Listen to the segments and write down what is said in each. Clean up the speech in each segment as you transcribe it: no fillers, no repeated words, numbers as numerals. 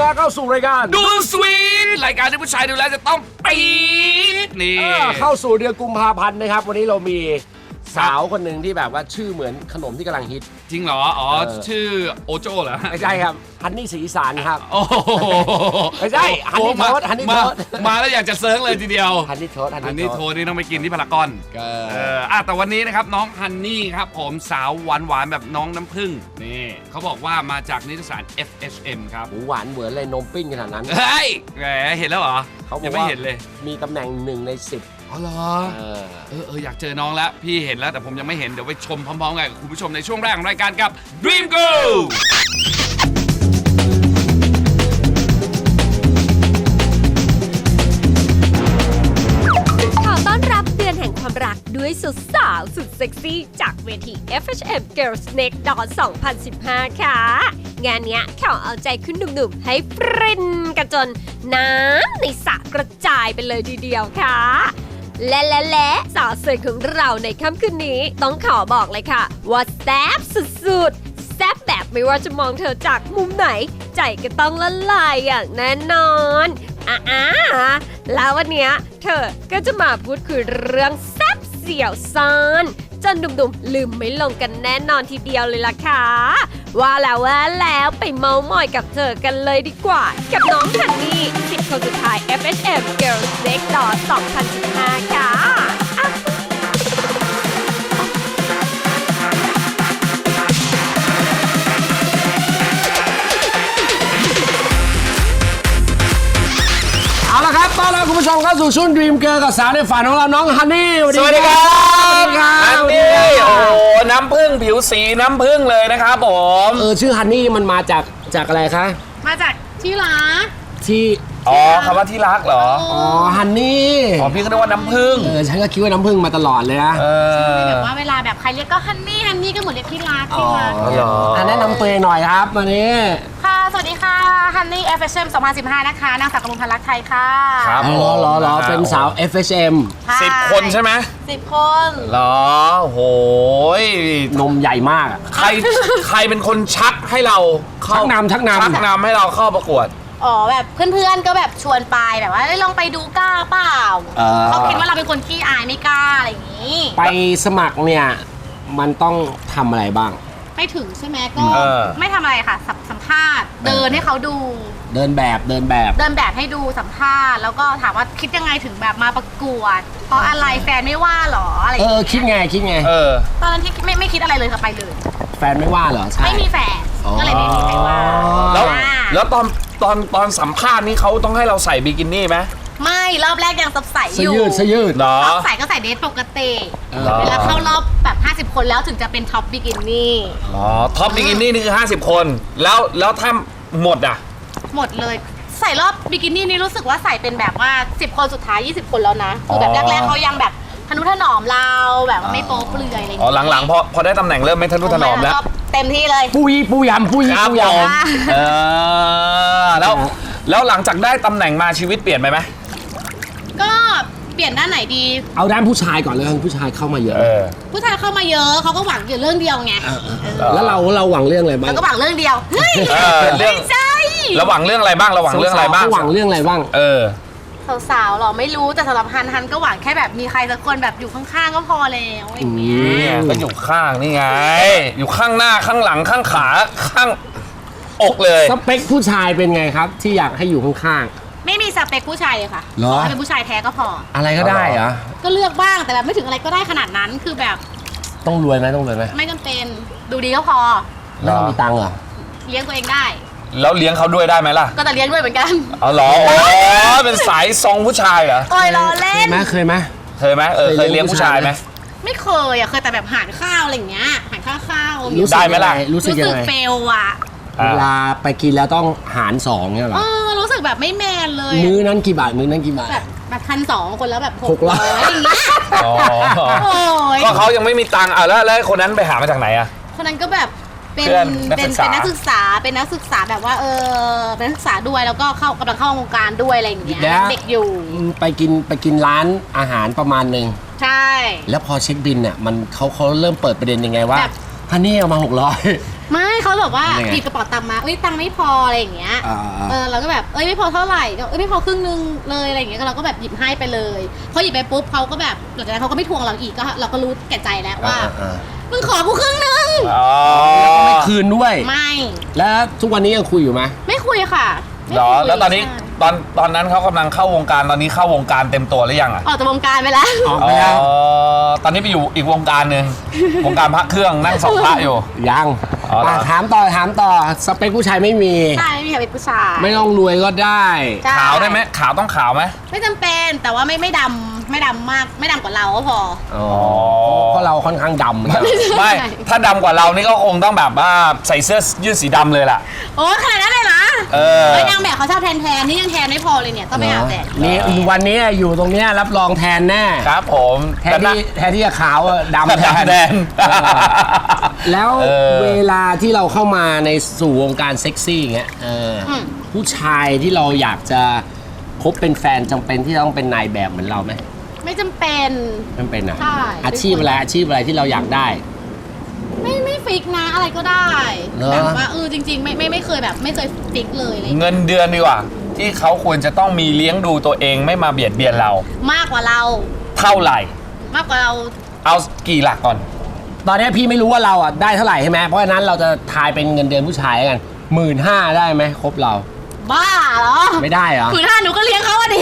แล้วเข้าสู่รายการดูสวีทรายการที่ผู้ชายดูแลจะต้องปี๊ดนี่เข้าสู่เดือนกุมภาพันธ์นะครับวันนี้เรามีสาวคนหนึ่งที่แบบว่าชื่อเหมือนขนมที่กำลังฮิตจริงเหรออ๋อชื่อโอโจ้เหรอไม่ใช่ครับฮันนี่สีอีสานครับโอ้ไม่ใช่ฮันนี่โทษฮันนี่โทษมาแล้วอยากจะเซิร์งเลยทีเดียวฮันนี่โทษฮันนี่โทษนี่ต้องไปกินที่พารากอนแต่วันนี้นะครับน้องฮันนี่ครับผมสาวหวานแบบน้องน้ำผึ้งนี่เขาบอกว่ามาจากนิตยสาร FHM ครับหวานเหมือนเลยนมปิ้งขนาดนั้นเฮ้ยแหมเห็นแล้วเหรอเขาบอกยังไม่เห็นเลยมีตำแหน่ง1 ใน 10 อ๋อเหรออยากเจอน้องแล้วพี่เห็นแล้วแต่ผมยังไม่เห็นเดี๋ยวไปชมพร้อมๆกันกับคุณผู้ชมในช่วงแรกของรายการกับ Dream Go ขอต้อนรับเดือนแห่งความรักด้วยสุดสาวสุดเซ็กซี่จากเวที FHM Girls Next Door 2015 ค่ะ งานเนี้ยขอเอาใจคุณหนุ่มๆให้ฟรินกันจนน้ำในสระกระจายไปเลยทีเดียวค่ะและสาวสวยของเราในค่ำคืนนี้ต้องขอบอกเลยค่ะว่าแซ่บสุดๆแซ่บแบบไม่ว่าจะมองเธอจากมุมไหนใจก็ต้องละลายอย่างแน่นอนแล้ววันเนี้ยเธอก็จะมาพูดคุยเรื่องแซ่บเสี่ยวซ่อนจนดุมๆลืมไม่ลงกันแน่นอนทีเดียวเลยล่ะค่ะว่าแล้วไปเมาท์มอยกับเธอกันเลยดีกว่ากับน้องฮันนี่10 คนสุดท้าย FHM Girls Next Door 2015 ค่ะเอาละครับต้อนรับคุณผู้ชมเข้าสู่ช่วง Dream Girl กับสาวในฝันของเราน้องฮันนี่สวัสดีครับฮันนี่โอ้น้ำผึ้งผิวสีน้ำผึ้งเลยนะครับผมชื่อฮันนี่มันมาจากอะไรคะมาจากที่รักที่คำว่าที่รักเหรอฮันนี่พี่ก็นึกว่าน้ำผึ้งฉันก็คิดว่าน้ำผึ้งมาตลอดเลยนะแบบว่าเวลาแบบใครเรียกก็ฮันนี่ก็เหมือนเรียกที่รักที่รักแนะนำตัวเองหน่อยครับวันนี้ค่ะสวัสดีค่ะฮันนี่ FHM 2015 นะคะนางสาวกมลพันธ์รักไทยค่ะครับรอเป็นสาว FHM 10 คนใช่ไหม 10 คนเหรอโหยนมใหญ่มากใครเป็นคนชักให้เราชักนำให้เราเข้าประกวดแบบเพื่อนๆก็แบบชวนไปแบบว่าลองไปดูกล้าเปล่าเขาคิดว่าเราเป็นคนขี้อายไม่กล้าอะไรอย่างนี้ไปสมัครเนี่ยมันต้องทำอะไรบ้างไปถึงใช่ไหมก็ไม่ทำอะไรค่ะสัมภาษณ์เดินให้เขาดูเดินแบบให้ดูสัมภาษณ์แล้วก็ถามว่าคิดยังไงถึงแบบมาประกวดเพราะอะไรแฟนไม่ว่าหรออะไรคิดไงตอนนั้นที่ไม่คิดอะไรเลยค่ะไปเลยแฟนไม่ว่าเหรอใช่ไม่มีแฟนก็เลยไม่มีใครว่าแล้วตอนสัมภาษณ์นี้เขาต้องให้เราใส่บิกินี่ไหมไม่รอบแรกยังใส่อยู่เสื้อยืดรอบใส่ก็ใส่เดรสปกติเวลาเข้ารอบแบบ50 คนแล้วถึงจะเป็นท็อปบิกินี่ท็อปบิกินี่นี่คือ50 คนแล้วถ้าหมดอ่ะหมดเลยใส่รอบบิกินี่นี่รู้สึกว่าใส่เป็นแบบว่า10 คนสุดท้าย20 คนแล้วนะคือแบบแรกๆเขายังแบบทนุถนอมเราแบบไม่โป๊เปลือยอะไรอย่างเงี้ยหลังๆพอได้ตำแหน่งเริ่มไม่ทนุถนอมแล้วเต็มที่เลยปูยำแล้วหลังจากได้ตำแหน่งมาชีวิตเปลี่ยนไปไหมก็เปลี่ยนด้านไหนดีเอาด้านผู้ชายก่อนเลยผู้ชายเข้ามาเยอะผู้ชายเข้ามาเยอะเขาก็หวังอยู่เรื่องเดียวไงแล้วเราหวังเรื่องอะไรบ้างเราก็หวังเรื่องเดียวไม่ใช่เราหวังเรื่องอะไรบ้างหวังเรื่องอะไรบ้างสาวๆหรอไม่รู้แต่สำหรับฮันก็หวังแค่แบบมีใครสักคนแบบอยู่ข้างๆก็พอแล้วอย่างเงี้ยก็อยู่ข้างนี่ไงอยู่ข้างหน้าข้างหลังข้างขาข้างอกเลยสเปคผู้ชายเป็นไงครับที่อยากให้อยู่ข้างๆไม่มีสเปคผู้ชายเลยค่ะถ้าเป็นผู้ชายแท้ก็พออะไรก็ได้เหรอก็เลือกบ้างแต่แบบไม่ถึงอะไรก็ได้ขนาดนั้นคือแบบต้องรวยไหมไม่จำเป็นดูดีก็พอแล้วมีตังค์เหรอเลี้ยงตัวเองได้แล้วเลี้ยงเขาด้วยได้ไหมล่ะก็จะเลี้ยงด้วยเหมือนกันเหรอเป็นสายซองผู้ชายเหรอล้อเล่นเคยไหมเคยเลี้ยงผู้ชายไหมไม่เคยเคยแต่แบบหารข้าวอะไรอย่างเงี้ยหารข้าวได้ไหมล่ะรู้สึกเฟลอ่ะเวลาไปกินแล้วต้องหาร2เนี่ยหรอรู้สึกแบบไม่แมนเลยมื้อนั้นกี่บาทแบบ1,200 คนแล้วแบบ600อย่างเงี้ยก็เขายังไม่มีตังค์แล้วคนนั้นไปหามาจากไหนอะคนนั้นก็แบบเป็นนักศึกษาแบบว่าเป็นนักศึกษาด้วยแล้วก็กำลังเข้าวงการด้วยอะไรอย่างเงี้ยเด็กอยู่ไปกินร้านอาหารประมาณนึงใช่แล้วพอเช็คบินเนี่ยมันเขาเริ่มเปิดประเด็นยังไงว่าฮันนี่เอามา600 ไม่เขาแบบว่ายังไงหยิบกระเป๋าตังค์มาตังค์ไม่พออะไรอย่างเงี้ยอ่าเราก็แบบไม่พอเท่าไหร่ก็ไม่พอครึ่งนึงเลยอะไรอย่างเงี้ยเราก็แบบหยิบให้ไปเลยพอหยิบไปปุ๊บเขาก็แบบหลังจากนั้นเขาก็ไม่ทวงเราอีกก็เราก็รู้แก่ใจแล้วว่ามึงขอกูครึ่งนึงไม่คืนด้วยไม่แล้วทุกวันนี้ยังคุยอยู่ไหมไม่คุยค่ะไม่เหรอคุยแล้วตอนนี้ใช่ตอนนั้นเขากำลังเข้าวงการตอนนี้เข้าวงการเต็มตัวหรือยังอ่ะออกจากวงการไปแล้วออกไปแล้วตอนนี้ไปอยู่อีกวงการหนึ่ง วงการพระเครื่องนั่งสองพระอยู่ยังอ๋อเหรอถามต่อสเปคผู้ชายไม่มีใช่ไม่มีใครเป็นผู้ชายไม่ต้องรวยก็ได้ใช่ขาวได้ไหมขาวต้องขาวไหมไม่จำเป็นแต่ว่าไม่ดำมากไม่ดำกว่าเราก็พออ๋อเพราะเราค่อนข้างดำเหมือนกันไม่ ถ้าดำกว่าเรานี่ก็คงต้องแบบว่าใส่เสื้อยืดสีดำเลยล่ะโอ้ขนาดนั้นเลยนะ นางแบบเขาชอบแทนนี่ยังแทนไม่พอเลยเนี่ยต้องไปอาบแดดนี่วันนี้อยู่ตรงเนี้ยรับรองแทนแน่ครับผมแทนที่จะขาวอะดำแทนแดนแล้วเออเวลาที่เราเข้ามาในสู่วงการเซ็กซี่อย่างเงี้ยผู้ชายที่เราอยากจะคบเป็นแฟนจำเป็นที่ต้องเป็นนายแบบเหมือนเราไหมไม่จำเป็นจำเป็นอ่ะใช่อาชีพอะไรที่เราอยากได้ไม่ฟิกนะอะไรก็ได้เหรอแบบว่าจริงๆไม่เคยแบบไม่เคยฟิกเลยอะไรเงินเดือนดีกว่า ที่เขาควรจะต้องมีเลี้ยงดูตัวเองไม่มาเบียดเบียนเรามากกว่าเราเท่าไหร่มากกว่าเราเอากี่หลักก่อนตอนนี้พี่ไม่รู้ว่าเราอ่ะได้เท่าไหร่ใช่ไหมเพราะฉะนั้นเราจะทายเป็นเงินเดือนผู้ชายกัน15,000ได้ไหมครบเราบ้าเหรอไม่ได้เหรอคือถ้าหนูก็เลี้ยงเขาอะดิ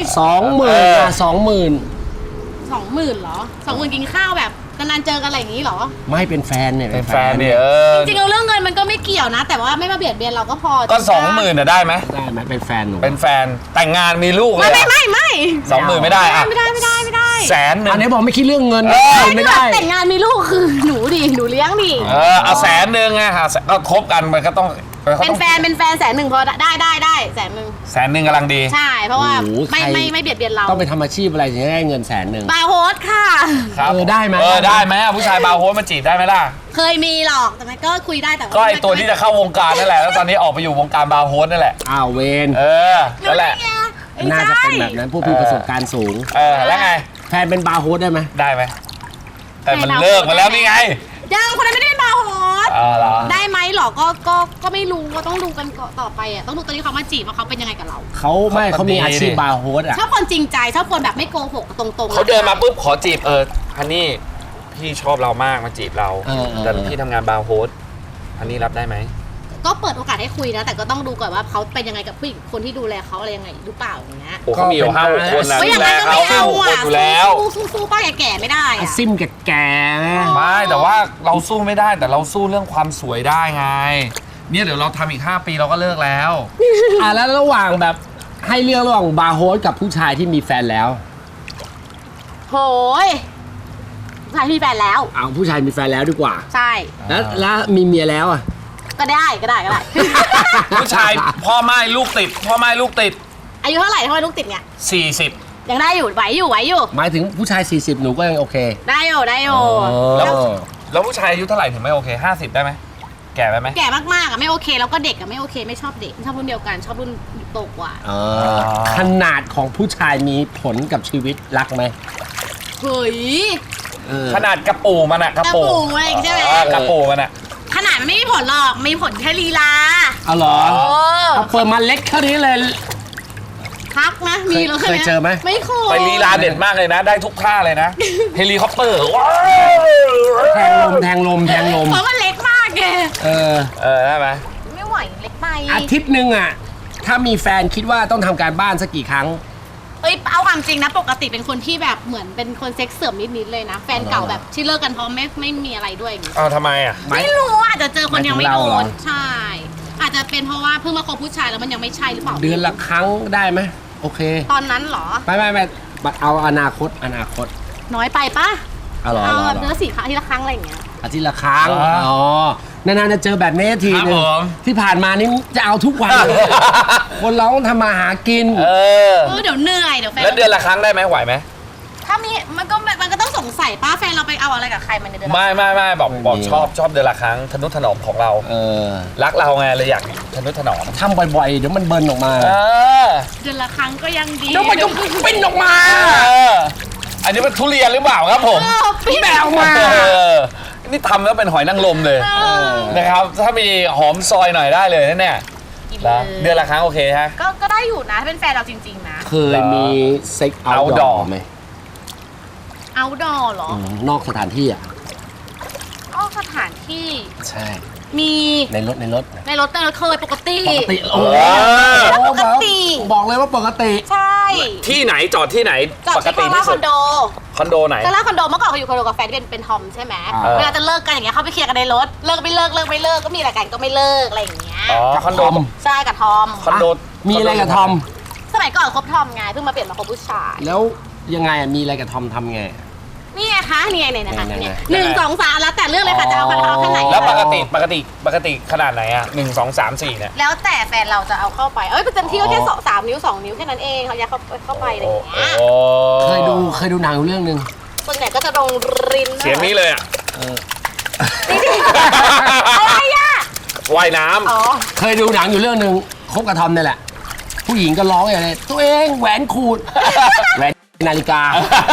20,000อ่ะ20,000 20,000เหรอ20,000กินข้าวแบบนานๆเจอกันอะไรอย่างนี้เหรอไม่เป็นแฟนเนี่ยเป็นแฟนเนี่ยจริงๆเราเรื่องเงินมันก็ไม่เกี่ยวนะ แต่ว่าไม่มาเบียดเบียนเราก็พอก็20,000น่ะได้ไหมได้ไหมเป็นแฟนหนูเป็นแฟนแต่งงานมีลูกเลไม่ยไม่ 20,000ไม่ได้อะไม่ได้แสนหนึ่งอันนี้บอกไม่คิดเรื่องเงิน ไม่ได้แต่งงานมีลูกคือหนูเลี้ยงดิเอาแสนหนึ่งไงก็คบกันมันก็ต้องเป็นแฟน100,000พอได้100,000 แสนหนึ่งกำลังดีใช่เพราะว่าโอ้โหไม่เบียดเบียนเราต้องไปทำอาชีพอะไรถึงจะได้เงิน100,000 บาร์โฮสค่ะครับได้ไหมได้ไหมผู้ชายบาร์โฮสมาจีบได้ไหมล่ะเคยมีหรอกแต่มันก็คุยได้แต่ว่าก็ไอตัวที่จะเข้าวงการนั่นแหละแล้วตอนนี้ออกไปอยู่วงการบาร์โฮสนั่นแหละอ้าวเวนนั่นแหละน่าจะเป็นแบบนั้นพวกพี่ประสบการณ์สูงแล้วไงแฟนเป็นบาร์โฮสได้ไหมได้ไหมแต่มันเลิกมาแล้วนี่ไงยังคนนั้นไม่ได้เป็นบาร์โฮสเหรอได้ไหมหรอก็ไม่รู้ก็ต้องดูกันต่อไปอ่ะต้องดูตอนที่เขามาจีบว่าเขาเป็นยังไงกับเราเขามีอาชีพบาร์โฮสอ่ะชอบคนจริงใจชอบคนแบบไม่โกหกตรงๆเขาเดินมาปุ๊บขอจีบฮันนี่พี่ชอบเรามากมาจีบเราแต่พี่ทำงานบาร์โฮสฮันนี่รับได้ไหมก็เปิดโอกาสให้คุยนะแต่ก็ต้องดูก่อนว่าเขาเป็นยังไงกับผู้หญิงคนที่ดูแลเขาอะไรยังไงหรือเปล่าอย่างเงี้ยโอ้เขามีอยู่5-6 คนนะก็อย่างนั้นก็ไม่เอาอ่ะอยู่แล้วสู้ป้าแก่ๆไม่ได้อาอ่ะซิมแก่ๆนะไม่แต่ว่าเราสู้ไม่ได้แต่เราสู้เรื่องความสวยได้ไงเนี่ยเดี๋ยวเราทำอีก5 ปีเราก็เลิกแล้วแล้วระหว่างแบบให้เลือกระหว่างบาร์โฮสกับผู้ชายที่มีแฟนแล้วโหยผู้ชายมีแฟนแล้วเอาผู้ชายมีแฟนแล้วดีกว่าใช่แล้วมีเมียแล้วอ่ะก็ได้ผู้ชายพ่อไม้ลูกติดพ่อไม้ลูกติดอายุเท่าไหร่ทำไมลูกติดเนี่ย 40 ยังได้อยู่ไหวอยู่หมายถึงผู้ชาย40หนูก็ยังโอเคได้อยู่แล้วผู้ชายอายุเท่าไหร่ถึงไม่โอเค50ได้ไหมแก่ไปไหมแก่มากๆอ่ะไม่โอเคแล้วก็เด็กอ่ะไม่โอเคไม่ชอบเด็กชอบรุ่นเดียวกันชอบรุ่นโตกว่าขนาดของผู้ชายมีผลกับชีวิตรักไหมเฮ้ยขนาดกระปูมันอะกระปูกระปูอะไรอย่างงี้ใช่ไหมกระปูมันอะขนาดมันไม่มีผลหรอกมีผลแค่ลีลาเอาเหรอเอาเปิดมาเล็กเท่านี้เลยพักนะมีแล้วใช่ไหมเคยเจอไหมไม่เคยไปลีลาเด็ดมากเลยนะ ได้ทุกท่าเลยนะ เฮลิคอปเตอร์ว้าวแทงลมเพราะมันเล็กมากไงได้ไหมไม่ไหวเล็กไปอาทิตย์หนึ่งอ่ะถ้ามีแฟนคิดว่าต้องทำการบ้านสักกี่ครั้งเอาความจริงนะปกติเป็นคนที่แบบเหมือนเป็นคนเซ็กเสื่อมนิดๆเลยนะแฟนเก่าแบบที่เลิกกันเพราะไม่มีอะไรด้วยอย่างงี้ทำไมอะไม่รู้อาจจะเจอคนยังไม่หมายโดถึงเราเหรอนใช่ อาจจะเป็นเพราะว่าเพิ่งมาคบผู้ชายแล้วมันยังไม่ใช่หรือเปล่าเดือนละครั้งได้ไหมโอเคตอนนั้นเหรอไม่เอาอนาคตน้อยไปปะเอาเหรอเอาแบบเนื้อ4 ครั้งทีละครั้งอะไรอย่างเงี้ยอาทิตย์ละครั้งนานๆจะเจอแบบนี้ทีนึงที่ผ่านมานี่จะเอาทุกวันเลยคนเราต้องทำมาหากินเดี๋ยวเหนื่อยเดี๋ยวแฟนแล้วเดือนละครั้งได้ไหมไหวไหมถ้ามีมันก็ต้องสงสัยป้าแฟนเราไปเอาอะไรกับใครมันในเดือนละไม่บอกชอบเดือนละครั้งทนุถนอมของเรา รักเราไงเลยอยากทนุถนอมทำบ่อยๆเดี๋ยวมันเบิร์นออกมาเดือนละครั้งก็ยังดีเดี๋ยวมันก็ปิ้นออกมาอันนี้มันทุเรียนหรือเปล่าครับผมปิ้นแบวมานี่ทำแล้วเป็นหอยนางรมเลยนะครับถ้ามีหอมซอยหน่อยได้เลยนะเนี่ยกินแล้วเลยเดือนละครั้งโอเคฮะก็ได้อยู่นะถ้าเป็นแฟนเราจริงๆนะเคยมีเซ็กเอาท์ดอ outdoor ร์ไหมเอาดอเหรอนอกสถานที่อ่ะก็สถานที่ใช่มีในรถในรถเคยปกติปกติโอ้ปกติบอกเลยว่าปกติใช่ที่ไหนจอดที่ไหนจอดปกที่ติคอนที่คสุอดนโดคอนโดไหนก็แล้วคอนโดเมื่อก่อนเขาอยู่คอนโดกับแฟนที่เป็นทอมใช่ไหมเวลาจะเลิกกันอย่างเงี้ยเขาไปเคลียร์กันในรถเลิกไม่เลิกก็มีอะไรกันก็ไม่เลิกอะไรอย่างเงี้ยอ๋อคอนโดใช่กับทอมคอนโดมีอะไรกับทอมสมัยก่อนคบทอมไงเพิ่งมาเปลี่ยนมาคบผู้ชายแล้วยังไงอะมีอะไรกับทอมทำไงนี่ไงคะนี่ไงเนี่ยนะคะไหนๆเนี่ย1 2 3แล้วแต่เรื่องเลยค่ะจะเอาคันเอาแค่ไหนแล้วปกติขนาดไหนอ่ะ1 2 3 4เนี่ยแล้วแต่แฟนเราจะเอาเข้าไปประจำที่ก็แค่3 นิ้ว 2 นิ้วแค่นั้นเองเขาอยากเข้าไปอะไรอย่างเงี้ยเคยดูหนังอยู่เรื่องหนึ่งส่วนใหญ่ก็จะลงรินเสียงนี้เลยอ่ะอะไรอ่ะว่ายน้ำอ๋อเคยดูหนังอยู่เรื่องหนึ่งคบกับทอมนี่แหละ ผู้หญิงก็ร้องอย่างไรตัวเองแหวนขูด แหวนนาฬิกา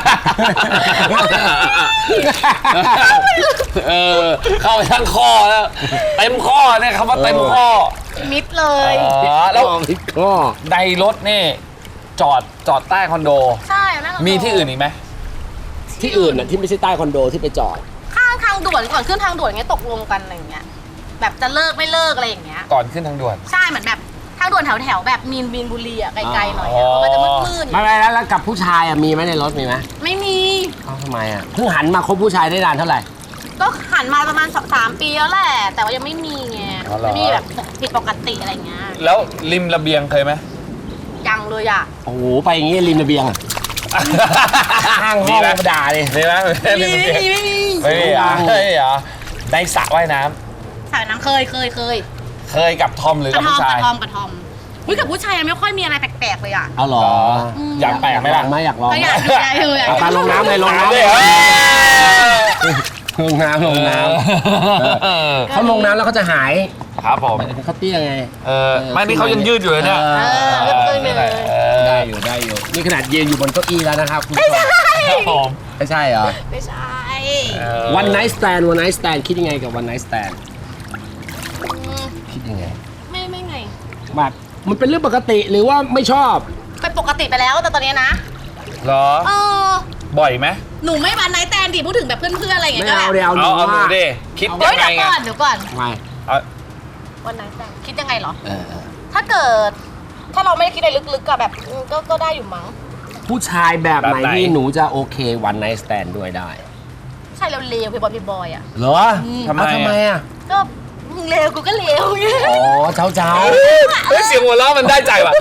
เข้าไปทั้งข้อแล้วเต็มข้อเนี่ยคำว่าเต็มข้อมิดเลยแล้วก็ในรถนี่จอดใต้คอนโดใช่แม่มีที่อื่นอีกไหมที่อื่นน่ะที่ไม่ใช่ใต้คอนโดที่ไปจอดข้างทางด่วนก่อนขึ้นทางด่วนเงี้ยตกลงกันอะไรอย่างเงี้ยแบบจะเลิกไม่เลิกอะไรอย่างเงี้ยก่อนขึ้นทางด่วนใช่เหมือนแบบทางด่วนแถวแบบมีนบุรีอะไกลๆหน่อยอ๋อะอมันจะมืดๆไม่แล้วกับผู้ชายอ่ะมีไหมในรถมีไหมไม่มีเอ้าทำไมอ่ะเพิ่งหันมาคบผู้ชายได้นานเท่าไหร่ก็หันมาประมาณ3 ปีแล้วแหละแต่ว่ายังไม่มีไงอ๋อเหรอไม่มีแบบผิดปกติอะไรเงี้ยแล้วริมระเบียงเคยไหมยังเลยอะโอ้โหไปอย่างงี้ริมระเบียงอ่ะข้างห้องมาด่าเลยมีไหมริมระเบียงไม่มีเหรอในสระว่ายน้สายน้ำเคยำเคยกับทอมหรือก กับระทอผู้มชายกับทอมอุ้ยกับผู้ชายยังไม่ค่อยมีอะไรแปลกๆเลยอะเอาเหรออยากแปลกไหมล่ะอยากลองก็อยากดูอยากดูอยากเอาไปดูลงน้ำเลยลงน้ำเลยเหรอลงน้ำเขาลงน้ำแล้วเขาจะหายครับผมเขาเตี้ยไงไม่นี่เขายังยืดอยู่เลยเนี่ยได้อยู่นี่ขนาดยืนอยู่บนเก้าอี้แล้วนะครับคุณผู้ชมครับผมไม่ใช่เหรอไม่ใช่ One night stand คิดยังไงกับ one night stand คิดยังไงไม่ไงแบบมันเป็นเรื่องปกติหรือว่าไม่ชอบเป็นปกติไปแล้วแต่ตอนนี้นะเหรอ บ่อยไหมหนูไม่วันไนท์แตนดิพูดถึงแบบเพื่อนๆอะไรอย่างไม่เงี้ยก็เอาแบบเดี๋ยวเอาหนูว่าดิคิดเฮ้ยัยงไงเดี๋ยวก่อนไม่วันไนท์แตนคิดยังไงเหรอเออถ้าเกิด ถ้าเราไม่ได้คิดอะไรลึกๆอะแบบก็ได้อยู่มั้งผู้ชายแบบไหนที่หนูจะโอเค one night stand ด้วยได้ใช่เราเลวพี่บอยอะเหรอทำไมอ่ะก็มึงเลวกูก็เลวไงอ๋อเจ้าเฮ้ยเสียงหัวเราะมันได้ใจว่ะ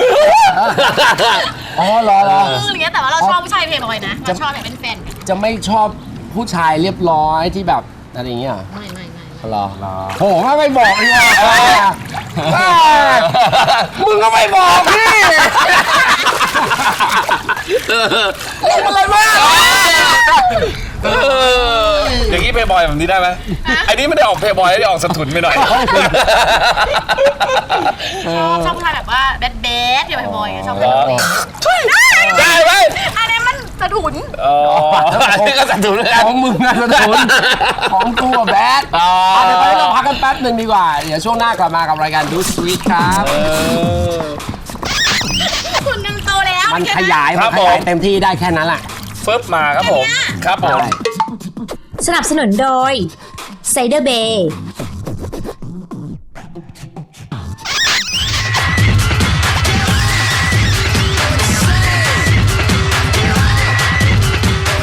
อ๋อเหรออย่างเงี้ยแต่ว่าเราชอบผู้ชายเพย์บอยนะเราชอบแบบเป็นแฟนกันจะไม่ชอบผู้ชายเรียบร้อยที่แบบอะไรอย่างเงี้ยเหรอไม่เหรอโหไม่บอกดีกว่ามึงก็ไม่บอกพี่อะไรมากอย่างนี้เพย์บอยแบบนี้ได้ไหมไอ้นี่ไม่ได้ออกเพย์บอยได้ออกสถุนไปหน่อยชอบผู้ชายแบบว่าแบดอย่าเพย์บอยชอบแบบนี้ได้ไหมอันนี้มันสะถุนอันนี้ก็สถุนเลยของมึงนะสนุนของกูอะแบดเดี๋ยวตอนนี้เราพักกันแป๊บหนึ่งดีกว่า เดี๋ยวช่วงหน้ากลับมากับรายการดูสวีทครับคุณกันโตแล้วมันขยายเต็มที่ได้แค่นั้นแหละฟึบมาครับผมครับผมสนับสนุนโดยไซเดอร์เบย์